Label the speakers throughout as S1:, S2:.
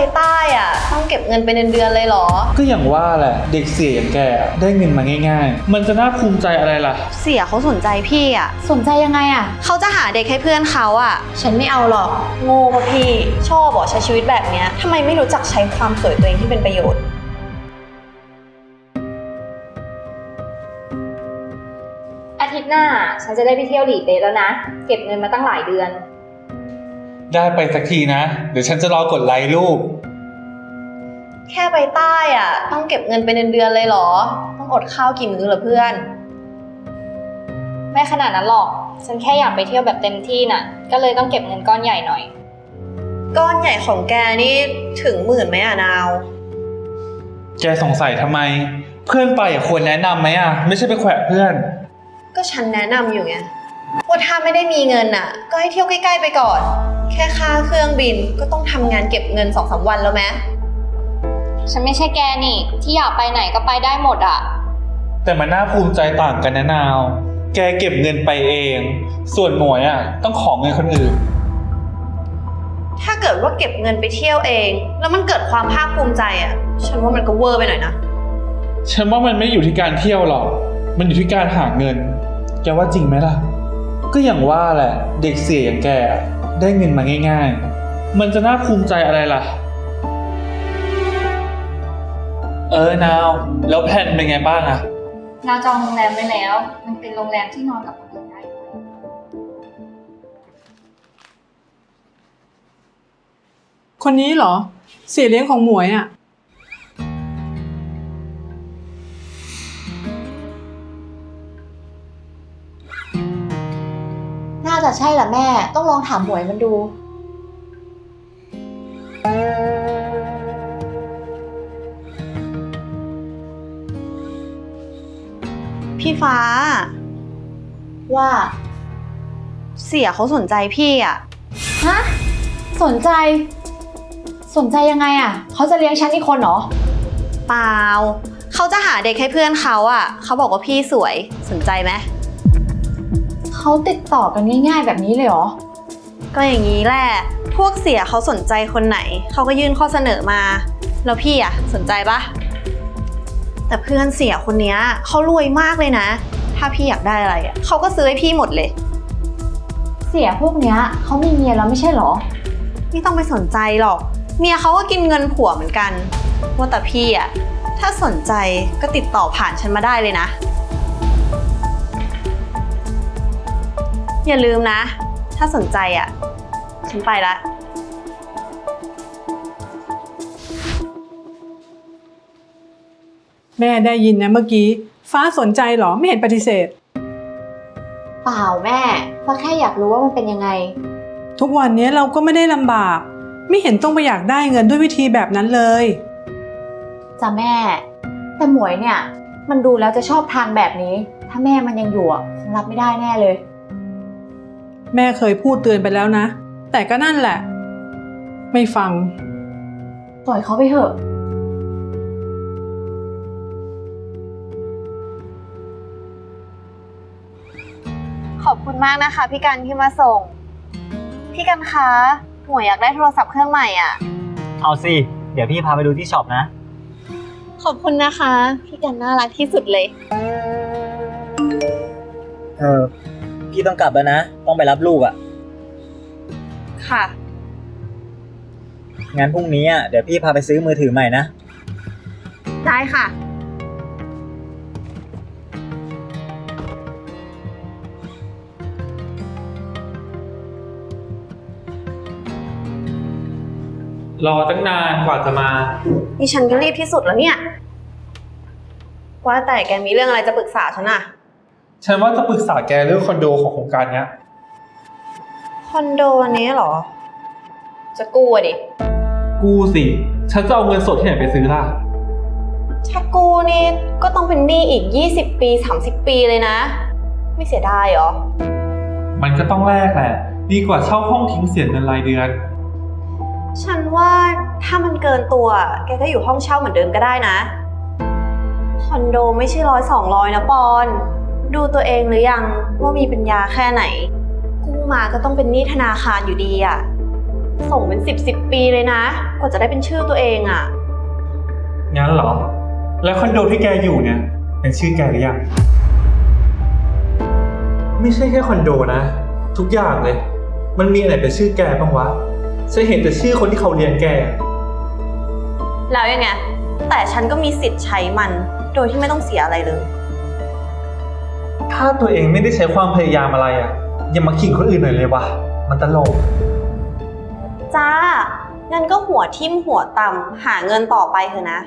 S1: ใต้อ่ะต้องเก็บเงินเป็นเดือนๆเลยเหรอ
S2: ก็อย่างว่าแหละเด็กเสียอย่างแกได้เงินมาง่ายๆมันจะน่าภูมิใจอะไรล่ะ
S1: เสียเขาสนใจพี่อ่ะ
S3: สนใจยังไงอ่ะ
S1: เขาจะหาเด็กให้เพื่อนเขาอ่ะฉันไม่เอาหรอกโง่ป่ะพี่ชอบบอกใช้ชีวิตแบบเนี้ยทำไมไม่รู้จักใช้ความสวยตัวเองที่เป็นประโยชน์
S3: อาทิตย์หน้าฉันจะได้ไปเที่ยวหลีเป๊ะแล้วนะเก็บเงินมาตั้งหลายเดือน
S2: ได้ไปสักทีนะเดี๋ยวฉันจะรอกดไลค์รูป
S1: แค่ไปใต้อ่ะต้องเก็บเงินเป็นเดือนๆเลยเหรอต้องอดข้าวกี่มื้อเหรอเพื่อน
S3: ไม่ขนาดนั้นหรอกฉันแค่อยากไปเที่ยวแบบเต็มที่น่ะก็เลยต้องเก็บเงินก้อนใหญ่หน่อย
S1: ก้อนใหญ่ของแกนี่ถึง10,000ไหมอ่ะนาว
S2: แกสงสัยทำไมเพื่อนไปควรแนะนำไหมอ่ะไม่ใช่ไปแขวะเพื่อน
S1: ก็ฉันแนะนำอยู่ไงว่าถ้าไม่ได้มีเงินอ่ะก็ให้เที่ยวใกล้ๆไปก่อนแค่ค่าเครื่องบินก็ต้องทำงานเก็บเงิน 2-3 วันแล้วไหม
S3: ฉันไม่ใช่แกนี่ที่อยากไปไหนก็ไปได้หมดอ่ะ
S2: แต่มันน่าภูมิใจต่างกันนะนาวแกเก็บเงินไปเองส่วนหมวยอ่ะต้องขอเงินคนอื่น
S1: ถ้าเกิดว่าเก็บเงินไปเที่ยวเองแล้วมันเกิดความภาคภูมิใจอ่ะฉันว่ามันก็เวอร์ไปหน่อยนะ
S2: ฉันว่ามันไม่อยู่ที่การเที่ยวหรอกมันอยู่ที่การหาเงินแกว่าจริงไหมล่ะก็อย่างว่าแหละเด็กเสียอย่างแกได้เงินมาง่ายๆมันจะน่าภูมิใจอะไรล่ะนาวแล้วแผนเป็นไงบ้างอะ
S3: เราจองโรงแรมไว้แล้วมันเป็นโรงแรมที่นอนกับคนอื่นได้
S4: คนนี้เหรอเสียเลี้ยงของหมวยอ่ะ
S3: น่าจะใช่แหละแม่ต้องลองถามหมวยมันดู
S1: พี่ฟ้า
S3: ว่า
S1: เสียเขาสนใจพี่อ่ะ
S3: ฮะสนใจยังไงอ่ะเขาจะเลี้ยงฉันอีกคนเหรอ
S1: เปล่าเขาจะหาเด็กให้เพื่อนเขาอ่ะเขาบอกว่าพี่สวยสนใจไหม
S3: เขาติดต่อกันง่ายๆแบบนี้เลยเหรอ
S1: ก็อย่างนี้แหละพวกเสียเขาสนใจคนไหนเขาก็ยื่นข้อเสนอมาแล้วพี่อ่ะสนใจปะแต่เพื่อนเสียคนนี้เขารวยมากเลยนะถ้าพี่อยากได้อะไรอ่ะเขาก็ซื้อให้พี่หมดเลย
S3: เสียพวกเนี้ยเขามีเมียแล้วไม่ใช่เหรอ
S1: ไม่ต้องไปสนใจหรอกเมียเขาก็กินเงินผัวเหมือนกันว่าแต่พี่อ่ะถ้าสนใจก็ติดต่อผ่านฉันมาได้เลยนะอย่าลืมนะถ้าสนใจอ่ะฉันไปละ
S4: แม่ได้ยินนะเมื่อกี้ฟ้าสนใจเหรอไม่เห็นปฏิเสธ
S3: เปล่าแม่ฟ้าแค่อยากรู้ว่ามันเป็นยังไง
S4: ทุกวันนี้เราก็ไม่ได้ลำบากไม่เห็นต้องไปอยากได้เงินด้วยวิธีแบบนั้นเลย
S3: จ้ะแม่แต่หมวยเนี่ยมันดูแล้วจะชอบทางแบบนี้ถ้าแม่มันยังอยู่คงรับไม่ได้แน่เลย
S4: แม่เคยพูดเตือนไปแล้วนะแต่ก็นั่นแหละไม่ฟัง
S3: ปล่อยเขาไปเถอะ
S1: ขอบคุณมากนะคะพี่กันที่มาส่งพี่กันคะหมวยอยากได้โทรศัพท์เครื่องใหม่อ่ะ
S5: เอาสิเดี๋ยวพี่พาไปดูที่ช็อปนะ
S1: ขอบคุณนะคะพี่กันน่ารักที่สุดเลย
S5: พี่ต้องกลับแล้วนะต้องไปรับลูกอ่ะ
S1: ค่ะ
S5: งั้นพรุ่งนี้เดี๋ยวพี่พาไปซื้อมือถือใหม่นะ
S1: ได้ค่ะ
S2: รอตั้งนานกว่าจะมา
S1: นี่ฉันก็รีบที่สุดแล้วเนี่ยว่าแต่แกมีเรื่องอะไรจะปรึกษาฉันอะ
S2: ฉันว่าจะปรึกษาแกเรื่องคอนโดของโครงการเนี้ย
S1: คอนโดอันนี้เหรอจะกู้ดิ
S2: กู้สิฉันจะเอาเงินสดที่ไหนไปซื้อล่ะ
S1: ถ้ากู้นี่ก็ต้องเป็นหนี้อีก20 ปี 30 ปีเลยนะไม่เสียดายเหรอ
S2: มันก็ต้องแลกแหละดีกว่าเช่าห้องทิ้งเสียเงินรายเดือน
S1: ฉันว่าถ้ามันเกินตัวแกก็อยู่ห้องเช่าเหมือนเดิมก็ได้นะคอนโดไม่ใช่100-200นะปอนดูตัวเองหรือยังว่ามีปัญญาแค่ไหนกู้มาก็ต้องเป็นหนี้ธนาคารอยู่ดีอะส่งเป็น10ปีเลยนะ กว่าจะได้เป็นชื่อตัวเองอะ
S2: งั้นเหรอ แล้วคอนโดที่แกอยู่เนี่ย เป็นชื่อแกหรือยัง ไม่ใช่แค่คอนโดนะ ทุกอย่างเลย มันมีอะไรเป็นชื่อแกบ้างวะฉันเห็นแต่ชื่อคนที่เขาเลี้ยงแก
S1: แล้วยังไง แต่ฉันก็มีสิทธิ์ใช้มัน โดยที่ไม่ต้องเสียอะไรเลย
S2: ถ้าตัวเองไม่ได้ใช้ความพยายามอะไรอ่ะ อย่ามาขิงคนอื่นหน่อยเลยวะมันตลก
S1: จ้า งั้นก็หัวทิ่มหัวต่ำหาเงินต่อไปเถอะนะ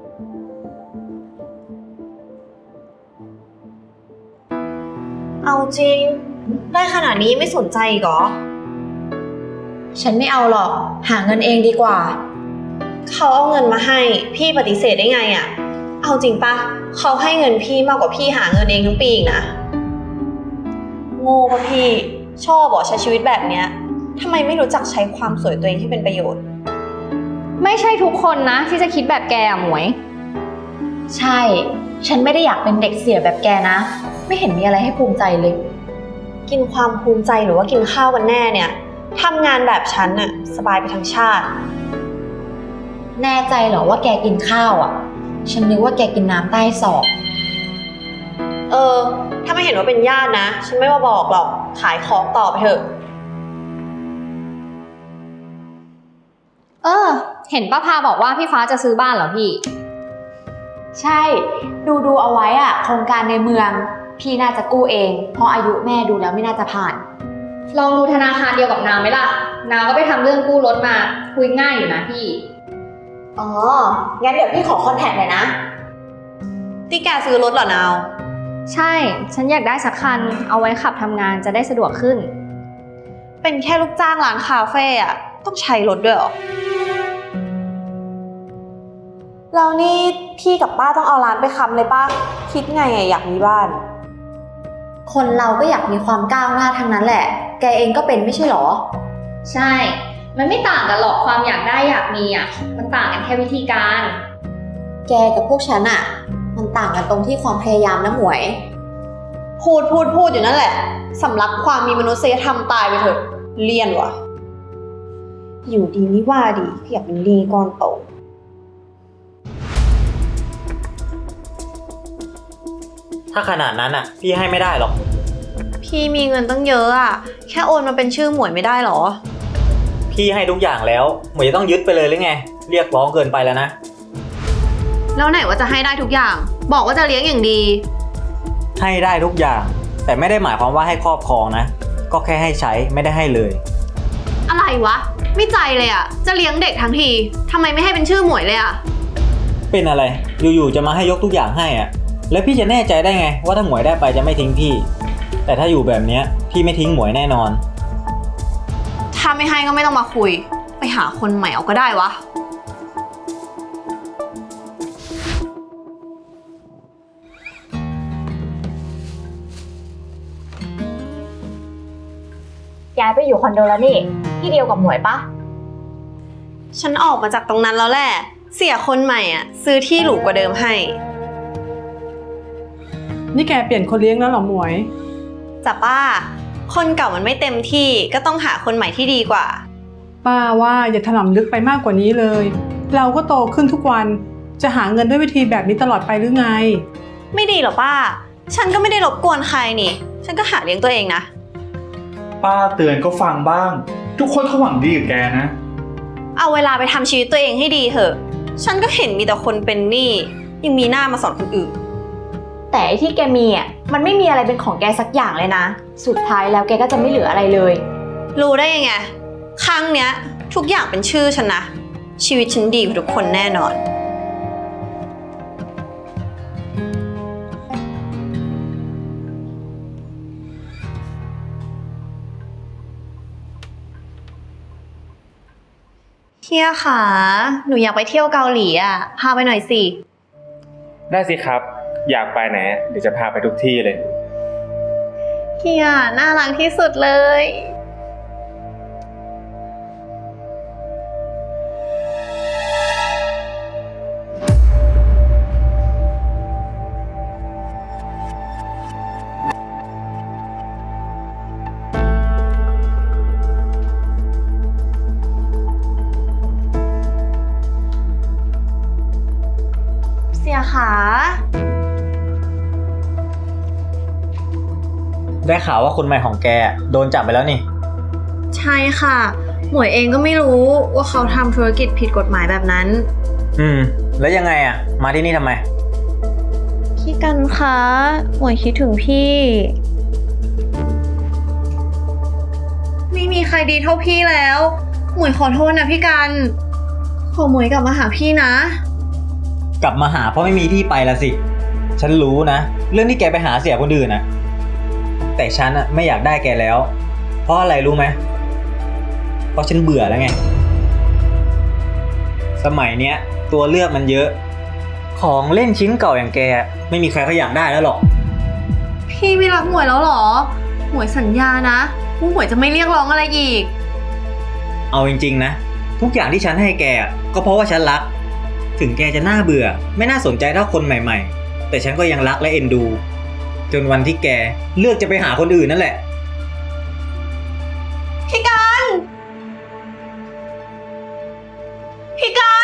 S1: เอาจริง ได้ขนาดนี้ไม่สนใจอีกเหรอ
S3: ฉันไม่เอาหรอก หาเงินเองดีกว่า
S1: เขาเอาเงินมาให้ พี่ปฏิเสธได้ไงอะเอาจริงปะเขาให้เงินพี่มากกว่าพี่หาเงินเองทั้งปีอีกนะ โง่ปะพี่ ชอบบอกใช้ชีวิตแบบเนี้ยทำไมไม่รู้จักใช้ความสวยตัวเองที่เป็นประโยชน์
S6: ไม่ใช่ทุกคนนะที่จะคิดแบบแกอะหมวย
S3: ใช่ ฉันไม่ได้อยากเป็นเด็กเสียแบบแกนะ ไม่เห็นมีอะไรให้ภูมิใจเลย
S1: กินความภูมิใจหรือว่ากินข้าวกันแน่เนี่ยทำงานแบบฉันน่ะสบายไปทั้งชาติ
S3: แน่ใจเหรอว่าแกกินข้าวอ่ะ ฉันนึกว่าแกกินน้ำใต้ศอก
S1: ถ้าไม่เห็นว่าเป็นญาตินะ ฉันไม่มาบอกหรอก ขายของต่อไปเถอะ
S6: เห็นป้าพาบอกว่าพี่ฟ้าจะซื้อบ้านเหรอพี่
S3: ใช่ ดูเอาไว้อ่ะ โครงการในเมือง พี่น่าจะกู้เอง เพราะอายุแม่ดูแล้วไม่น่าจะผ่าน
S6: ลองดูธนาคารเดียวกับนาวไหมล่ะ นาวก็ไปทำเรื่องกู้รถมาคุยง่ายอยู่นะพี่
S3: อ๋อ งั้นเดี๋ยวพี่ขอคอนแทคหน่อยนะ
S1: ที่แกซื้อรถเหรอนาว
S6: ใช่ ฉันอยากได้สักคัน เอาไว้ขับทำงานจะได้สะดวกขึ้น
S1: เป็นแค่ลูกจ้างร้านคาเฟ่อะต้องใช้รถด้วยเหรอ แล้วนี่พี่กับป้าต้องเอาร้านไปค้ำเลยป้าคิดไงอะอยากมีบ้าน
S3: คนเราก็อยากมีความก้าวหน้าทั้งนั้นแหละ แกเองก็เป็นไม่ใช่หรอ
S6: ใช่ มันไม่ต่างกันหรอกความอยากได้อยากมีอ่ะ มันต่างกันแค่วิธีการ
S3: แกกับพวกฉันอ่ะ มันต่างกันตรงที่ความพยายามนะหมวย
S1: พูดอยู่นั่นแหละสำลักความมีมนุษยธรรมตายไปเถอะเลี่ยนวะอยู่ดีไม่ว่าดีอยากเป็นหนี้ก้อนโต
S5: ถ้าขนาดนั้นอ่ะ พี่ให้ไม่ได้หรอก
S1: พี่มีเงินตั้งเยอะอะแค่โอนมาเป็นชื่อหมวยไม่ได้หรอ
S5: พี่ให้ทุกอย่างแล้วหมวยจะต้องยึดไปเลยหรือไง เรียกร้องเกินไปแล้วนะ
S1: แล้วไหนว่าจะให้ได้ทุกอย่าง บอกว่าจะเลี้ยงอย่างดี
S5: ให้ได้ทุกอย่าง แต่ไม่ได้หมายความว่าให้ครอบครองนะ ก็แค่ให้ใช้ไม่ได้ให้เลย
S1: อะไรวะ ไม่ใจเลยอะจะเลี้ยงเด็กทั้งทีทำไมไม่ให้เป็นชื่อหมวยเลยอะ
S5: เป็นอะไร อยู่ๆจะมาให้ยกทุกอย่างให้อ่ะ แล้วพี่จะแน่ใจได้ไงว่าถ้าหมวยได้ไปจะไม่ทิ้งพี่ แต่ถ้าอยู่แบบเนี้ยพี่ไม่ทิ้งหมวยแน่นอน
S1: ถ้าไม่ให้ก็ไม่ต้องมาคุย ไปหาคนใหม่เอาก็ได้วะ
S3: ย้ายไปอยู่คอนโดแล้วนี่ ที่เดียวกับหมวยปะ
S1: ฉันออกมาจากตรงนั้นแล้วแหละ เสียคนใหม่อะซื้อที่หรูกว่าเดิมให้
S4: นี่แกเปลี่ยนคนเลี้ยงแล้วเหรอหมวย
S1: จ้ะป้า คนเก่ามันไม่เต็มที่ก็ต้องหาคนใหม่ที่ดีกว่า
S4: ป้าว่าอย่าถลำลึกไปมากกว่านี้เลย เราก็โตขึ้นทุกวัน จะหาเงินด้วยวิธีแบบนี้ตลอดไปหรือไง
S1: ไม่ดีหรอป้า ฉันก็ไม่ได้รบกวนใครนี่ ฉันก็หาเลี้ยงตัวเองนะ
S2: ป้าเตือนก็ฟังบ้าง ทุกคนเขาหวังดีกับแกนะ
S1: เอาเวลาไปทำชีวิตตัวเองให้ดีเถอะ ฉันก็เห็นมีแต่คนเป็นหนี้ยังมีหน้ามาสอนคนอื่น
S3: แต่ไอ้ที่แกมีอ่ะ มันไม่มีอะไรเป็นของแกสักอย่างเลยนะ สุดท้ายแล้วแกก็จะไม่เหลืออะไรเลย
S1: รู้ได้ยังไง ครั้งเนี้ยทุกอย่างเป็นชื่อฉันนะ ชีวิตฉันดีกว่าทุกคนแน่นอน เฮียค่ะ หนูอยากไปเที่ยวเกาหลีอ่ะ พาไปหน่อยสิ
S7: ได้สิครับ อยากไปไหนเดี๋ยวจะพาไปทุกที่เลย
S1: เฮียน่ารักที่สุดเลยนะคะ
S5: ได้ข่าวว่าคนใหม่ของแกโดนจับไปแล้วนี่
S1: ใช่ค่ะ หมวยเองก็ไม่รู้ว่าเขาทำธุรกิจผิดกฎหมายแบบนั้น
S5: แล้วยังไงอะมาที่นี่ทำไม
S1: พี่กันคะ หมวยคิดถึงพี่ ไม่มีใครดีเท่าพี่แล้ว หมวยขอโทษนะพี่กัน ขอหมวยกลับมาหาพี่นะ
S5: กลับมาหาเพราะไม่มีที่ไปละสิ ฉันรู้นะ เรื่องที่แกไปหาเสียคนอื่นนะแต่ฉันอะไม่อยากได้แกแล้ว เพราะอะไรรู้ไหม เพราะฉันเบื่อแล้วไง สมัยเนี้ยตัวเลือกมันเยอะ ของเล่นชิ้นเก่าอย่างแกไม่มีใครเขาอยากได้แล้วหรอก
S1: พี่ไม่รักหมวยแล้วเหรอ หมวยสัญญานะว่าหมวยจะไม่เรียกร้องอะไรอีก
S5: เอาจริงๆนะ ทุกอย่างที่ฉันให้แกก็เพราะว่าฉันรัก ถึงแกจะน่าเบื่อ ไม่น่าสนใจเท่าคนใหม่ๆ แต่ฉันก็ยังรักและเอ็นดู จนวันที่แกเลือกจะไปหาคนอื่นนั่นแหละ
S1: พี่กัน พี่กัน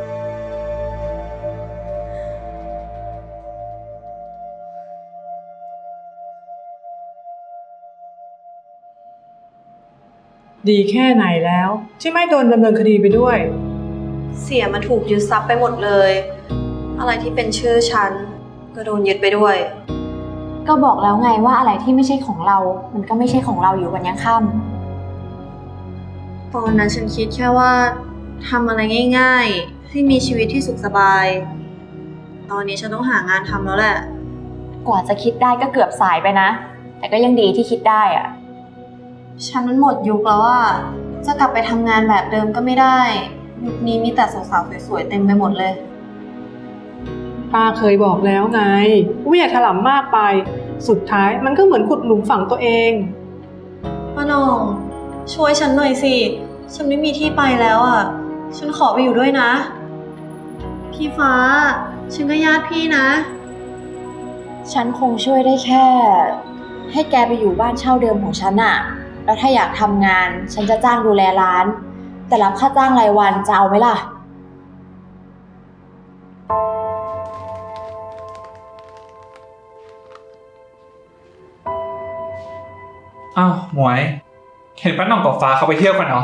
S4: ดีแค่ไหนแล้วที่ไม่โดนดำเนินคดีไปด้วย
S1: เสียมันถูกยึดทรัพย์ไปหมดเลย อะไรที่เป็นชื่อฉันก็โดนยึดไปด้วย
S3: ก็บอกแล้วไงว่าอะไรที่ไม่ใช่ของเรา มันก็ไม่ใช่ของเราอยู่วันยังค่ำ
S1: ตอนนั้นฉันคิดแค่ว่าทำอะไรง่ายๆ ให้มีชีวิตที่สุขสบาย ตอนนี้ฉันต้องหางานทำแล้วแหละ
S3: กว่าจะคิดได้ก็เกือบสายไปนะ แต่ก็ยังดีที่คิดได้อะ
S1: ฉันมันหมดยุคแล้วอะจะกลับไปทำงานแบบเดิมก็ไม่ได้ ยุคนี้มีแต่สาวๆสวยๆเต็มไปหมดเลย
S4: ป้าเคยบอกแล้วไงว่าอย่าถลำมากไป สุดท้ายมันก็เหมือนขุดหลุมฝังตัวเอง
S1: ป้าหน่องช่วยฉันหน่อยสิ ฉันไม่มีที่ไปแล้วอ่ะ ฉันขอไปอยู่ด้วยนะ พี่ฟ้า ฉันก็ญาติพี่นะ
S3: ฉันคงช่วยได้แค่ ให้แกไปอยู่บ้านเช่าเดิมของฉันอะแล้วถ้าอยากทำงาน ฉันจะจ้างดูแลร้าน แต่รับค่าจ้างรายวันจะเอาไหมล่ะ
S2: อ้าวหมวย เห็นป้าหน่องกับฟ้าเขาไปเที่ยวกันเหรอ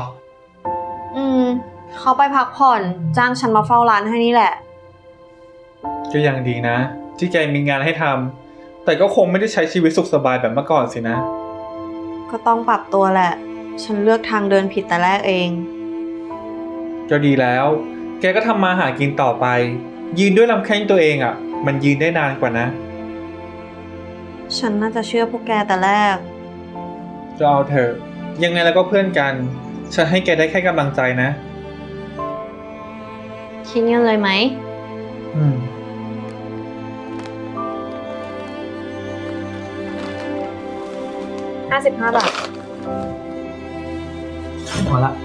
S1: เขาไปพักผ่อนจ้างฉันมาเฝ้าร้านให้นี่แหละ
S2: ก็ยังดีนะ ที่แกมีงานให้ทำแต่ก็คงไม่ได้ใช้ชีวิตสุขสบายแบบเมื่อก่อนสินะ
S1: ก็ต้องปรับตัวแหละ ฉันเลือกทางเดินผิดแต่แรกเอง
S2: ก็ดีแล้ว แกก็ทำมาหากินต่อไป ยืนด้วยลำแข้งตัวเองอ่ะ มันยืนได้นานกว่านะ
S1: ฉันน่าจะเชื่อพวกแกแต่แรก
S2: ก็เอาเถอะ ยังไงแล้วก็เพื่อนกัน ฉันให้แกได้แค่กำลังใจนะ
S1: คิดเงินเลยไหม
S2: อืม
S1: 55 บาท
S2: พอละ